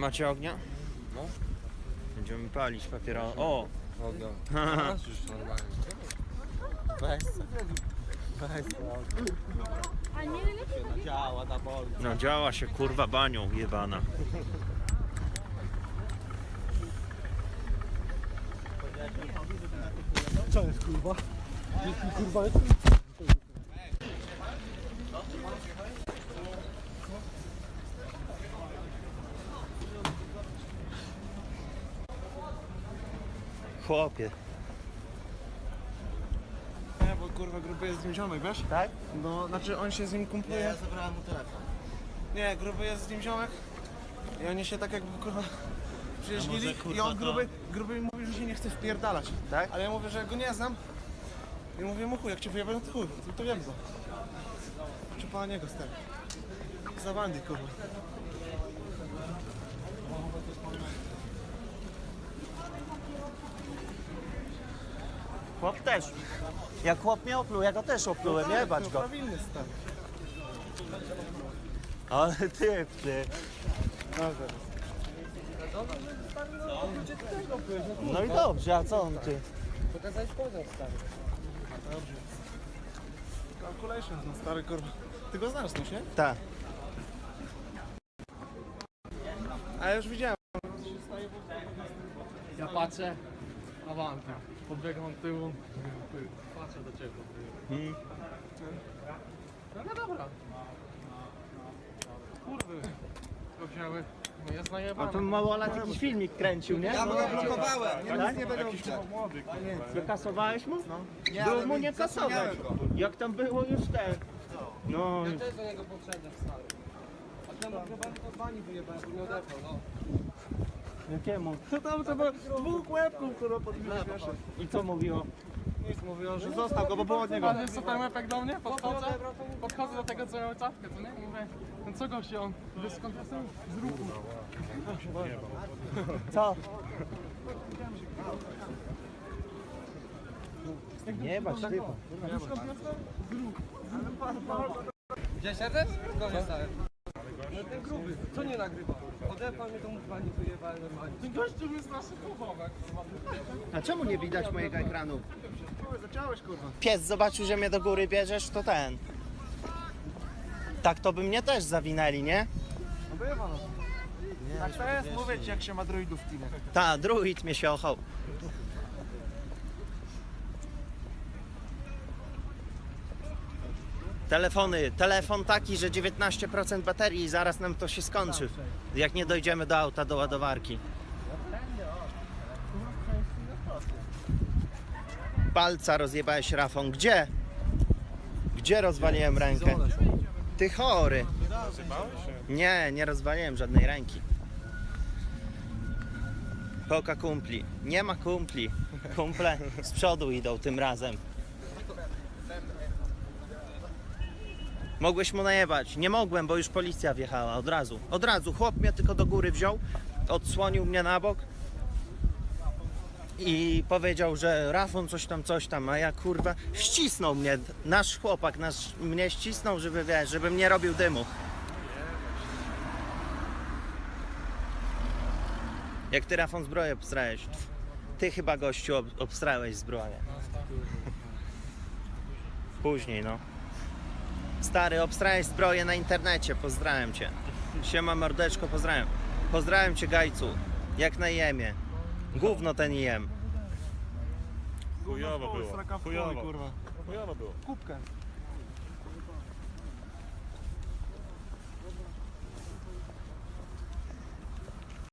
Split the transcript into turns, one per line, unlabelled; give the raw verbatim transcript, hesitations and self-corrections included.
macie ognia?
No.
Będziemy palić papieros. O!
Ognia. Masz już normalnie. Weź se. Weź se. Się nadziała na bolu.
No działa się kurwa banią jebana.
Co jest kurwa? Kurwa jest?
Chłopie.
Nie, bo kurwa gruby jest z nim ziomek, wiesz?
Tak?
No, znaczy on się z nim kumpluje.
Ja zabrałem mu telefon.
Nie, gruby jest z nim ziomek. I oni się tak jakby kurwa przyjaźnili
A może, kurwa,
i on
to-
gruby, gruby mi mówi, że się nie chce wpierdalać.
Tak?
Ale ja mówię, że go nie znam. I mówię mu chuj, jak cię wyjebę, no to chuj, to, to wiem go. Czy pana niego stary. Za bandy kurwa.
Chłop też. Jak chłop mnie opluł, ja go też oplułem, nie bać
no,
go.
prawilny stary.
Ale ty, ty. No i dobrze, a co on ty?
Pokazać podział stary. Dobrze. Calculations, no stary kurwa. Ty go znasz, no nie?
Tak.
A ja już widziałem.
Ja patrzę, awantem, podbiegam tyłu, patrzę do ciebie.
Hmm.
No, no dobra. Kurwy, to wzięły, no jest
A
najebane.
to małolat jakiś filmik kręcił, nie?
Ja mu go blokowałem, nie,
Tak?
nic nie będę uczyć.
Wykasowałeś mu?
Nie,
Było
ale
mu nie
zasłaniałem
kasować.
go.
Jak tam było już ten. No,
Ja też do niego podszedłem, stary. A temu chyba to pani wyjebałem, bo nie odepnął, no.
jakiemu?
To tam to było dwóch łebków, kurwa, podbiłeś, wiesz.
I co mówiło?
Nic, mówią, że został go, bo było od niego.
A wiesz co ten łepek do mnie? Podchodzę, podchodzę do tego, co miał czapkę, co nie? I mówię, no co gościu, on, wiesz skąd jestem? Z ruchu.
Co? Nie bać, typa.
Gdzie siedzę? Skąd jestem? No ten gruby, co nie nagrywa? Odepał mnie, to mu pani wyjebałem normalnie. Ten gościu jest naszy chłopak.
A czemu nie widać mojego ekranu?
Zaciąłeś, kurwa.
Pies zobaczył, że mnie do góry bierzesz, to ten. Tak to by mnie też zawinęli, nie?
No bywa, no. Tak to jest, mówię ci, jak się ma druidów w teamie.
Ta, druid mnie się ochał. Telefony, telefon taki, że dziewiętnaście procent baterii i zaraz nam to się skończy. Jak nie dojdziemy do auta, do ładowarki. Palca rozjebałeś, Rafon. Gdzie? Gdzie rozwaliłem rękę? Ty chory. Nie, nie rozwaliłem żadnej ręki. Poka kumpli. Nie ma kumpli. Kumple z przodu idą tym razem. Mogłeś mu najebać. Nie mogłem, bo już policja wjechała od razu. Od razu. Chłop mnie tylko do góry wziął, odsłonił mnie na bok i powiedział, że Rafon coś tam, coś tam, a ja kurwa ścisnął mnie. Nasz chłopak nasz, mnie ścisnął, żeby wiesz, żebym nie robił dymu. Jak ty, Rafon, zbroję obstrałeś? Ty chyba, gościu, ob obstrałeś zbroję. Później, no. Stary, obstrałeś zbroję na internecie, pozdrawiam cię. Siema mordeczko, pozdrawiam. Pozdrawiam cię, Gajcu. Jak na jemie. Gówno ten jem.
Chujowo było,
Straka w
chujowo.
chuj, kurwa.
Chujowo było.
Kubkę.